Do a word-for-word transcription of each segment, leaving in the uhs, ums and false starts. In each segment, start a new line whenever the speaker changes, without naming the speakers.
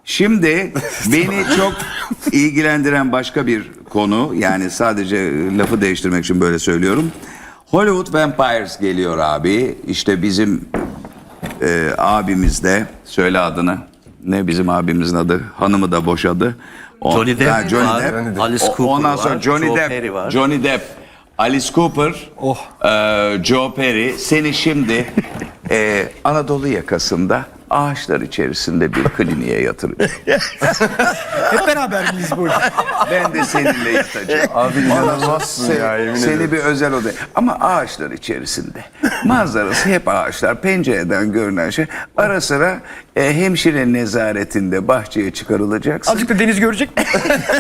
Şimdi beni çok ilgilendiren başka bir konu, yani sadece lafı değiştirmek için böyle söylüyorum. Hollywood Vampires geliyor abi. İşte bizim e, abimiz de, söyle adını. Ne bizim abimizin adı? Hanımı da boşadı. O,
Johnny Depp
ha, Johnny
var,
Depp.
Alice
O-
Cooper
Ondan sonra
var,
Johnny
Joe
Depp,
Perry var.
Johnny Depp, Alice Cooper,
Oh.
e, Joe Perry. Seni şimdi e, Anadolu yakasında ağaçlar içerisinde bir kliniğe yatırıyor.
Hep beraber miyiz bu?
Ben de seninle yatacağım.
Abi inanılmazsın
Seni,
ya, yemin
seni
ederim.
bir özel odaya. Ama ağaçlar içerisinde. Manzarası hep ağaçlar. Pencereden görünen şey. Ara sıra e, hemşire nezaretinde bahçeye çıkarılacaksın.
Azıcık da deniz görecek mi?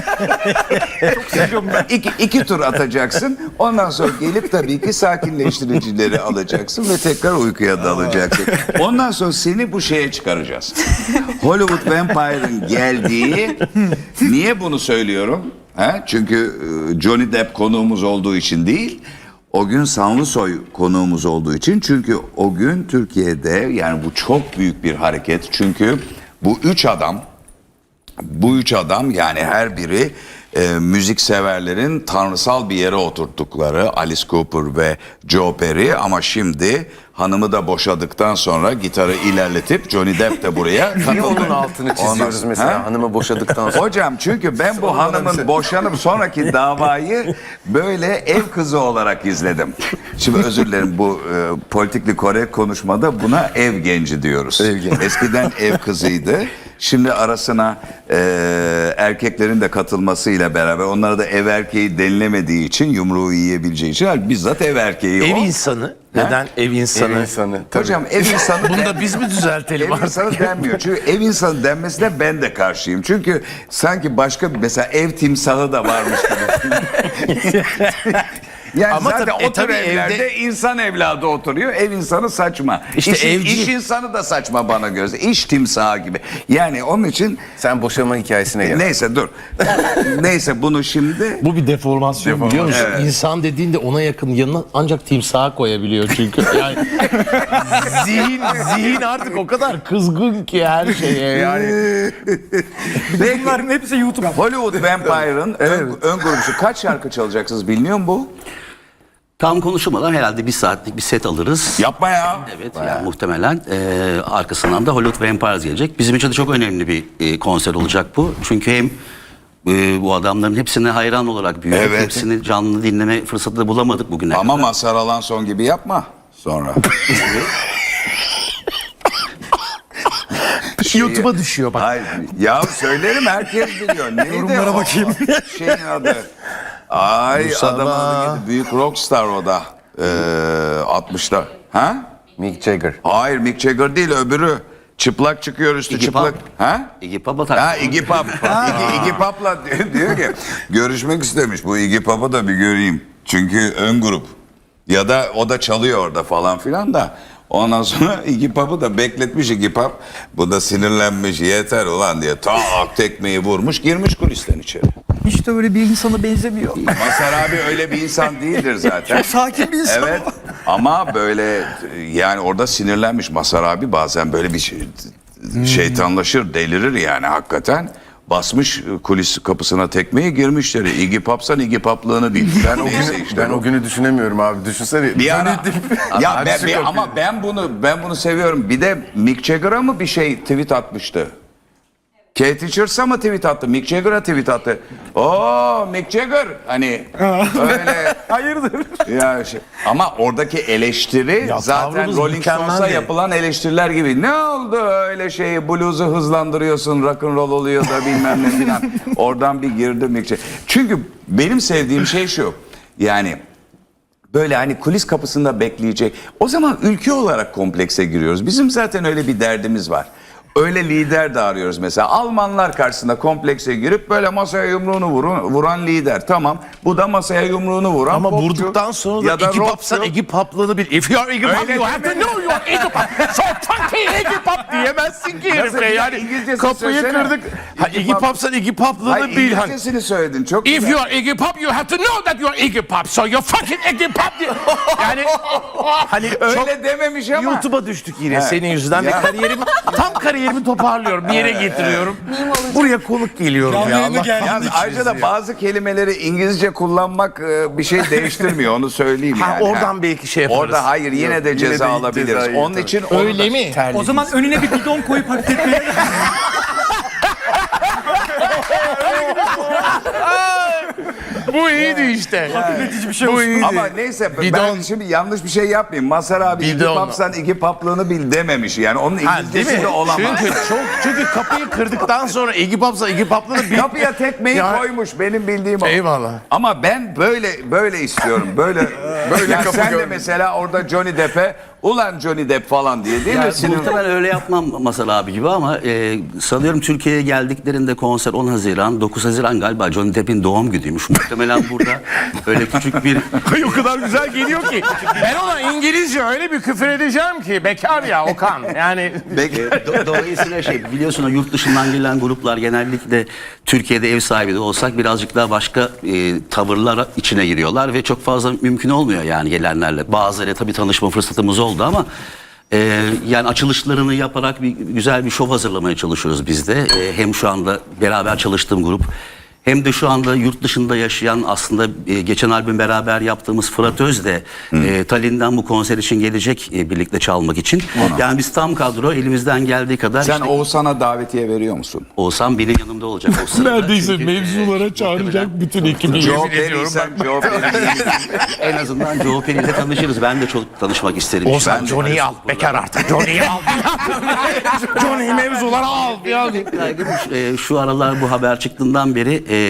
Çok seviyorum ben.
İki, iki tur atacaksın. Ondan sonra gelip tabii ki sakinleştiricileri alacaksın ve tekrar uykuya dalacaksın. Ondan sonra seni bu şeye çıkaracağız. Hollywood Vampire'ın geldiği, niye bunu söylüyorum? Ha? Çünkü e, Johnny Depp konuğumuz olduğu için değil, o gün Sanlısoy konuğumuz olduğu için. Çünkü o gün Türkiye'de, yani bu çok büyük bir hareket. Çünkü bu üç adam, bu üç adam yani her biri e, müzik severlerin tanrısal bir yere oturttukları Alice Cooper ve Joe Perry, ama şimdi hanımı da boşadıktan sonra gitarı ilerletip Johnny Depp de buraya
Niye
katıldı.
onun altını çiziyoruz
Ondan-
mesela
Ha?
hanımı boşadıktan sonra?
Hocam çünkü ben bu
Sonra da bir
hanımın
şey-
boşanıp sonraki davayı böyle ev kızı olarak izledim. Şimdi özür dilerim, bu e, politikli korek konuşmada buna ev genci diyoruz.
Ev genci.
Eskiden ev kızıydı. Şimdi arasına e, erkeklerin de katılmasıyla beraber, onlara da ev erkeği denilemediği için, yumruğu yiyebileceği için bizzat ev erkeği
Ev
o.
insanı. Neden ev insanı?
Ev insanı. Tabii.
Hocam ev insanı
Bunu
den-
da biz mi düzeltelim
Ev
artık?
insanı denmiyor. Çünkü ev insanı denmesine ben de karşıyım. Çünkü sanki başka bir, mesela ev timsahı da varmış gibi. Yani
Ama
zaten
tabii- e
o tür
tabii
evlerde
evde-
insan evladı oturuyor. Ev insanı saçma.
İşte
İş,
evcil-
iş insanı da saçma bana göre. İş timsahı gibi. Yani onun için
Sen boşanma hikayesine gel.
neyse dur. Neyse bunu şimdi
Bu bir deformasyon, biliyor musun? İnsan dediğinde ona yakın yanına ancak timsaha koyabiliyor çünkü. Yani zihin zihin artık o kadar kızgın ki her şeye yani.
Bunların hepsi YouTube.
Hollywood Vampire'ın ön, ön grubu. Kaç şarkı çalacaksınız biliniyor mu bu?
Tam konuşulmadan herhalde bir saatlik bir set alırız.
Yapma ya.
Evet, yani muhtemelen e, arkasından da Hollywood Vampires gelecek. Bizim için de çok önemli bir e, konser olacak bu. Çünkü hem e, bu adamların hepsine hayran olarak büyüdük.
Evet.
Hepsini canlı dinleme fırsatı da bulamadık bugüne
Ama
kadar.
Mazhar Alanson gibi yapma sonra.
YouTube'a düşüyor bak.
Hayır, ya söylerim, herkes biliyor. Neydi
Yorumlara
o?
bakayım.
Şeyin adı. Ay
Mustafa.
adamın adı neydi? Büyük rockstar o da. Ee, altmışta. Ha?
Mick Jagger.
Hayır, Mick Jagger değil, öbürü. Çıplak çıkıyor, üstü
Iggy
çıplak.
Pop.
Ha?
Iggy Pop'a
Ha,
tak.
Iggy Pop. Iggy, Iggy Pop'la diyor, diyor ki görüşmek istemiş. Bu Iggy Pop'u da bir göreyim. Çünkü ön grup. Ya da o da çalıyor orada falan filan da. Ondan sonra Iggy Pop'u da bekletmiş Iggy Pop. Bu da sinirlenmiş, yeter ulan diye tak tekmeyi vurmuş, girmiş kulisten içeri.
Hiç de öyle bir insana benzemiyor.
Mazhar abi öyle bir insan değildir zaten.
Çok sakin bir insan.
Evet, ama böyle yani orada sinirlenmiş Mazhar abi, bazen böyle bir şey, şeytanlaşır, delirir yani hakikaten. Basmış kulis kapısına tekmeyi, girmişleri. Iggy Pop'san Iggy Pop'lığını bil. Ben o
Neyse,
işte
ben
bu.
o günü düşünemiyorum abi. Düşünsene.
Bir ara, ya
Hadi
ben,
çık
bir-
bakayım.
ama ben bunu ben bunu seviyorum. Bir de Mick Jagger'a mı bir şey tweet atmıştı? Kate Richards'a mı tweet attı? Mick Jagger'a tweet attı. Oo Mick Jagger, hani öyle.
Hayırdır?
Ya şey, ama oradaki eleştiri
Ya
zaten
tavrımız
Rolling Stones'a
mükemmeldi.
yapılan eleştiriler gibi. Ne oldu öyle şeyi, blues'u hızlandırıyorsun, rock and roll oluyor da bilmem ne filan. Oradan bir girdi Mick Jagger. Çünkü benim sevdiğim şey şu. Yani böyle hani kulis kapısında bekleyecek. O zaman ülke olarak komplekse giriyoruz. Bizim zaten öyle bir derdimiz var. Öyle lider de arıyoruz mesela. Almanlar karşısında komplekse girip böyle masaya yumruğunu vurun, vuran lider. Tamam. Bu da masaya yumruğunu vuran
Ama
popçu.
vurduktan sonra da Iggy Pop'san
rockçu.
Iggy Pop'lığını bil. If you are Iggy Pop,
Öyle
you have to
demedim.
know you are Iggy Pop. So fucking Iggy Pop diyemezsin ki
Nasıl
herife
bir
yani.
İngilizcesini
Kapıyı
söylesene.
kırdık. Ha,
Iggy
Iggy
Pop-
Pop'san Iggy Pop'lığını
Hayır,
bil. Hani.
İngilizcesini söyledin. Çok
If
güzel.
you are Iggy Pop, you have to know that you are Iggy Pop. So you're fucking Iggy Pop diye. Yani hani
Öyle
çok
dememiş ama.
YouTube'a düştük yine senin yüzünden
Ya.
ve kariyerim tam kariyerim yerimi toparlıyorum. Bir yere getiriyorum. Buraya konuk geliyorum
Canlı
ya.
yayına
Allah.
geldiğin
Yalnız
için.
ayrıca da bazı kelimeleri İngilizce kullanmak e, bir şey değiştirmiyor, onu söyleyeyim
Ha,
yani.
oradan belki şey yaparız.
Orada hayır, yine de
Yok,
ceza
yine de
alabiliriz.
cezayı,
Onun
tabii.
için
Öyle
orada-
mi?
O zaman önüne bir bidon koyup hareket etmeye
Bu iyiydi işte.
hafifletici bir şey
Bu
olsun.
iyiydi.
Ama neyse ben
Bidon.
şimdi yanlış bir şey yapmayayım. Mazhar abi iki
Bidon.
papsan iki paplığını bil dememiş. Yani onun
Ha, değil
İngilizcesi
mi?
de olamaz.
Çünkü çok çünkü kapıyı kırdıktan sonra Iggy Pop'sa Iggy Pop'la bir
Kapıya tekmeyi
Ya-
koymuş, benim bildiğim o.
Eyvallah.
Ama ben böyle böyle istiyorum. Böyle böyle ya
kapı
sen de
görmedim.
mesela orada Johnny Depp'e ulan Johnny Depp falan diye değil mi?
Ya,
Sinir-
muhtemelen öyle yapmam Masal abi gibi ama e, sanıyorum Türkiye'ye geldiklerinde konser on Haziran, dokuz Haziran galiba Johnny Depp'in doğum günüymüş. Muhtemelen burada öyle küçük bir...
o kadar güzel geliyor ki. Ben ona İngilizce öyle bir küfür edeceğim ki bekar ya Okan. Yani
Do- Dolayısıyla şey biliyorsun o yurt dışından gelen gruplar genellikle Türkiye'de ev sahibi de olsak birazcık daha başka e, tavırlar içine giriyorlar ve çok fazla mümkün olmuyor yani gelenlerle. Bazıları tabii tanışma fırsatımız oldu ama e, yani açılışlarını yaparak bir güzel bir şov hazırlamaya çalışıyoruz biz de. E, hem şu anda beraber çalıştığım grup hem de şu anda yurt dışında yaşayan aslında e, geçen albüm beraber yaptığımız Fırat Öz de e, Tallinn'den bu konser için gelecek e, birlikte çalmak için. Yani biz tam kadro elimizden geldiği kadar
Sen
işte,
Oğuzhan'a davetiye veriyor musun?
Oğuzhan benim yanımda olacak. O sırada.
neredeyse
Çünkü,
mevzulara
e,
çağıracak bütün ekibi.
Joe
Yemin ediyorum
Perry'sen
bak.
Joe Perry.
en azından Joe Perry ile tanışırız. Ben de çok tanışmak isterim.
Oğuzhan
Ben de-
Johnny'yi al. Bekar artık. Johnny'yi al. Johnny'yi mevzulara al. Ya.
Kaygım, e, şu aralar bu haber çıktığından beri e,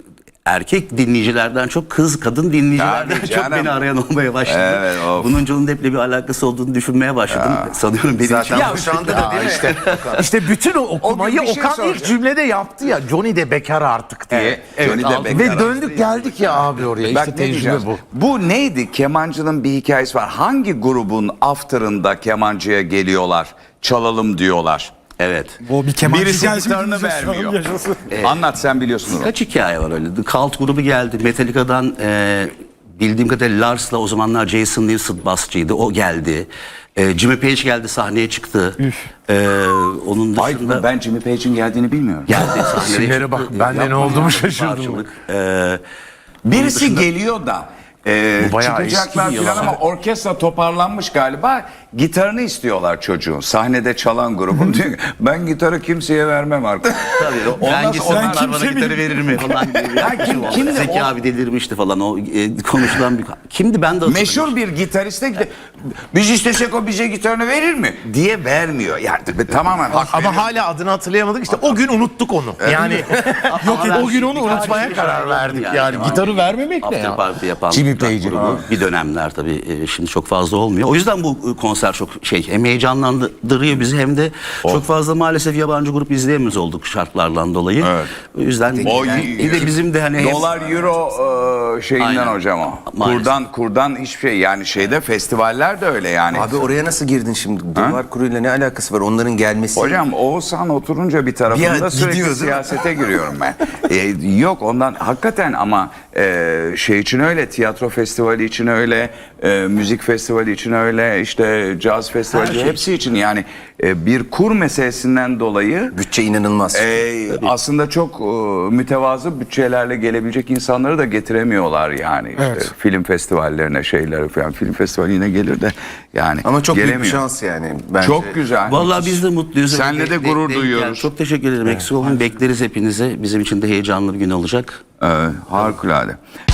erkek dinleyicilerden çok kız kadın dinleyicilerden
Tabii
çok
canım.
beni arayan olmaya başladı.
Evet, of.
Bunun Johnny Depp'le bir alakası olduğunu düşünmeye başladım. Sanıyorum benim
Zaten
için.
bu şu anda da değil mi?
işte, işte bütün o okumayı
O gün bir şey
Okan ilk
soracağım.
cümlede yaptı ya. Johnny de bekar artık diye.
Evet, Johnny de
aldı.
bekar
Ve
artık
döndük geldik ya abi oraya.
Bak
İşte
ne
tecrübe
diyeceğiz?
bu.
Bu neydi? Kemancının bir hikayesi var. Hangi grubun after'ında kemancıya geliyorlar, çalalım diyorlar?
Evet.
O bir kemancı
Birisi
gelsin,
gitarını
dinleyeceğiz,
vermiyor.
yaşasın.
Anlat, sen biliyorsun onu.
Kaç hikaye var öyle. The Cult grubu geldi. Metallica'dan e, bildiğim kadarıyla Lars'la o zamanlar Jason Newsted basçıydı. O geldi. E, Jimmy Page geldi, sahneye çıktı. E, onun
Ay,
dışında
ben Jimmy Page'in geldiğini bilmiyorum.
geldi sahneye
İsimlere
çıktı.
bak, ben de ne
Yapma
olduğumu
ya,
şaşırdım.
parçalık. E,
Birisi
dışında-
geliyor da e,
Bu bayağı
çıkacaklar
eski bir
falan
yalan.
ama orkestra toparlanmış galiba. Gitarını istiyorlar çocuğun. Sahnede çalan grubun. Diyor ki, ben gitarı kimseye vermem arkadaş.
Tabii, o,
Ondan
ben gitsem
sonra-
onlar bana
kimse
gitarı verir mi falan gibi bir
Ya kim-
yaklaşım oldu.
kimdi
Zeki
o?
abi delirmişti falan o e, konuşulan bir... Kimdi ben de hatırlamıyorum.
Meşhur bir gitariste gide- biz istesek o bize gitarını verir mi diye vermiyor. Yani tamamen hak
Ama
veriyor.
hala adını hatırlayamadık işte o gün unuttuk onu. Yani yok
Ama ben
o gün onu
birkaç
unutmaya
kişi
karar
şahit
verdik
oldum
yani.
yani.
Gitarı vermemek ne
After
ya?
party yapan
Jimmy
rock
Page'in.
grubu. Bir dönemler tabii e, şimdi çok fazla olmuyor. O yüzden bu konser çok şey hem heyecanlandırıyor bizi hem de çok fazla maalesef yabancı grup izleyemiyoruz olduk şartlardan dolayı.
Evet.
O yüzden
O
yani,
y-
bir de bizim de hani hem-
Dolar euro e, şeyinden
Aynen.
hocam o.
Maalesef.
Kurdan kurdan hiçbir şey, yani şeyde festivaller de öyle yani.
Abi oraya nasıl girdin şimdi? Dolar kuruyla ne alakası var? Onların gelmesi.
Hocam Oğuzhan oturunca bir tarafında
Bir an
sürekli
gidiyor, değil mi?
siyasete giriyorum ben. E, yok ondan hakikaten ama e, şey için öyle, tiyatro festivali için öyle, e, müzik festivali için öyle, işte caz festivali
Her şey.
hepsi için yani e, bir kur meselesinden dolayı
Bütçe inanılmaz.
e, aslında çok e, mütevazı bütçelerle gelebilecek insanları da getiremiyorlar yani. İşte
Evet.
film festivallerine şeyler falan, film festivali yine gelir de yani
Ama çok
gelemiyor.
büyük bir şans yani. Bence.
Çok güzel.
Vallahi biz de mutluyuz.
Senle de
Denk-
gurur
denk-
duyuyoruz.
yani çok teşekkür ederim. Eksik olmayın. Bekleriz hepinize. Bizim için de heyecanlı bir gün olacak.
Evet, harikulade.